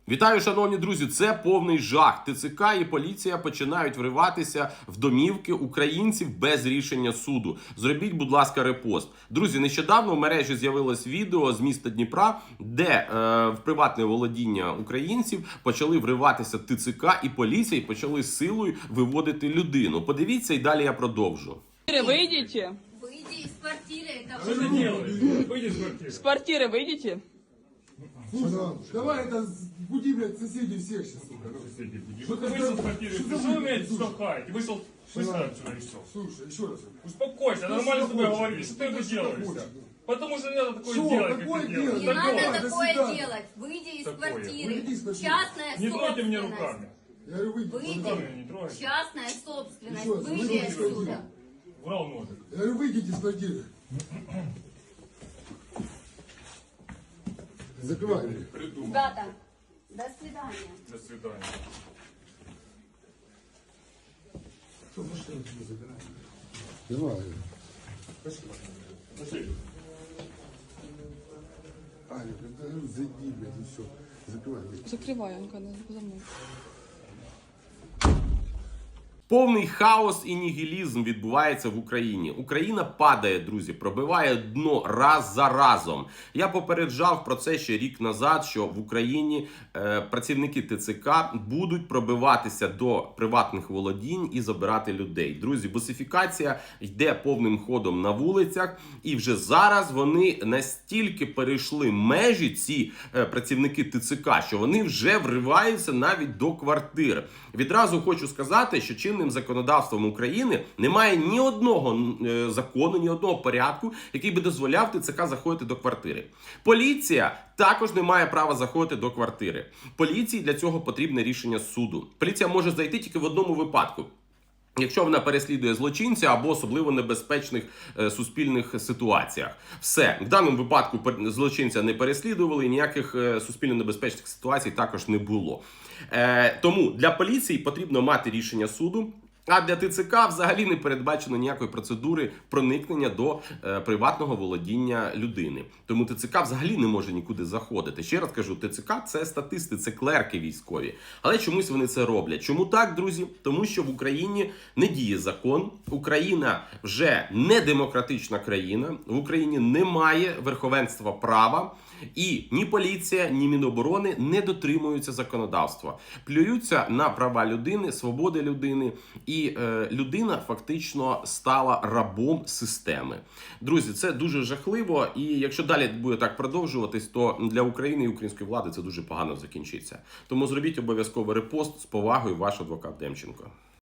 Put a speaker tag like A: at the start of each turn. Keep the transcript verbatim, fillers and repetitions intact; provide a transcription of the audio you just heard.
A: Вітаю, шановні друзі! Це повний жах. ТЦК і поліція починають вриватися в домівки українців без рішення суду. Зробіть, будь ласка, репост. Друзі, нещодавно в мережі з'явилось відео з міста Дніпра, де е, в приватне володіння українців почали вриватися ТЦК і поліція і почали силою виводити людину. Подивіться і далі я продовжу.
B: Выйдите.
C: Выйди из квартиры. Это
D: Что ты делаешь? Выйди из квартиры.
B: С квартиры выйдите.
E: Слушай, давай это буди, блядь, соседей всех сейчас.
D: Соседи, буди.
E: Что
D: Что
E: ты
D: ты вышел
E: за-
D: из квартиры?
E: что
D: Ты
E: за
D: что
E: вы-
D: умеете
E: слушай.
D: штовхать? Вышел быстро отсюда и все.
E: Слушай, еще раз.
D: Успокойся,
E: Что
D: нормально с тобой
E: хочешь?
D: говорили. Что ты это
E: Что
D: делаешь?
E: хочешь?
D: Потому что не надо такое
E: Что?
D: делать, как
E: Какое
D: ты
E: делать?
D: делаешь.
C: не
E: Такое.
C: надо
E: До
C: такое
E: свидания.
C: делать. Выйди из
D: Такое.
C: квартиры.
E: Выйди из квартиры.
C: Частная
D: Не трогайте меня
C: собственность.
D: руками.
E: Я говорю, выйди.
C: Выйди.
D: Руками не трогайте.
C: Частная собственность.
E: Еще раз,
C: Выйди
E: выйди из
C: отсюда.
E: квартиры.
D: Врал ножик.
E: Я говорю, выйдите из квартиры. Закрывай.
D: Придумал.
C: Ребята, до свидания.
D: До свидания.
E: Что, машину тебе забирай. Давай.
D: Пошли.
E: Аня, я говорю, зайди, блядь, и все. Закрывай.
B: Закрывай, Анка, за мной.
A: Повний хаос і нігілізм відбувається в Україні. Україна падає, друзі, пробиває дно раз за разом. Я попереджав про це ще рік назад, що в Україні е, працівники ТЦК будуть пробиватися до приватних володінь і забирати людей. Друзі, босифікація йде повним ходом на вулицях, і вже зараз вони настільки перейшли межі, ці е, працівники ТЦК, що вони вже вриваються навіть до квартир. Відразу хочу сказати, що чинним законодавством України немає ні одного е, закону, ні одного порядку, який би дозволяв ТЦК заходити до квартири. Поліція також не має права заходити до квартири. Поліції для цього потрібне рішення суду. Поліція може зайти тільки в одному випадку. Якщо вона переслідує злочинця або особливо небезпечних е, суспільних ситуаціях. Все. В даному випадку злочинця не переслідували, і ніяких е, суспільно небезпечних ситуацій також не було. Е, тому для поліції потрібно мати рішення суду, а для ТЦК взагалі не передбачено ніякої процедури проникнення до е, приватного володіння людини. Тому ТЦК взагалі не може нікуди заходити. Ще раз кажу, ТЦК – це статисти, це клерки військові. Але чомусь вони це роблять. Чому так, друзі? Тому що в Україні не діє закон, Україна вже не демократична країна, в Україні немає верховенства права, і ні поліція, ні Міноборони не дотримуються законодавства. Плюються на права людини, свободи людини, і е, людина фактично стала рабом системи. Друзі, це дуже жахливо, і якщо далі буде так продовжуватись, то для України і української влади це дуже погано закінчиться. Тому зробіть обов'язково репост. З повагою, ваш адвокат Демченко.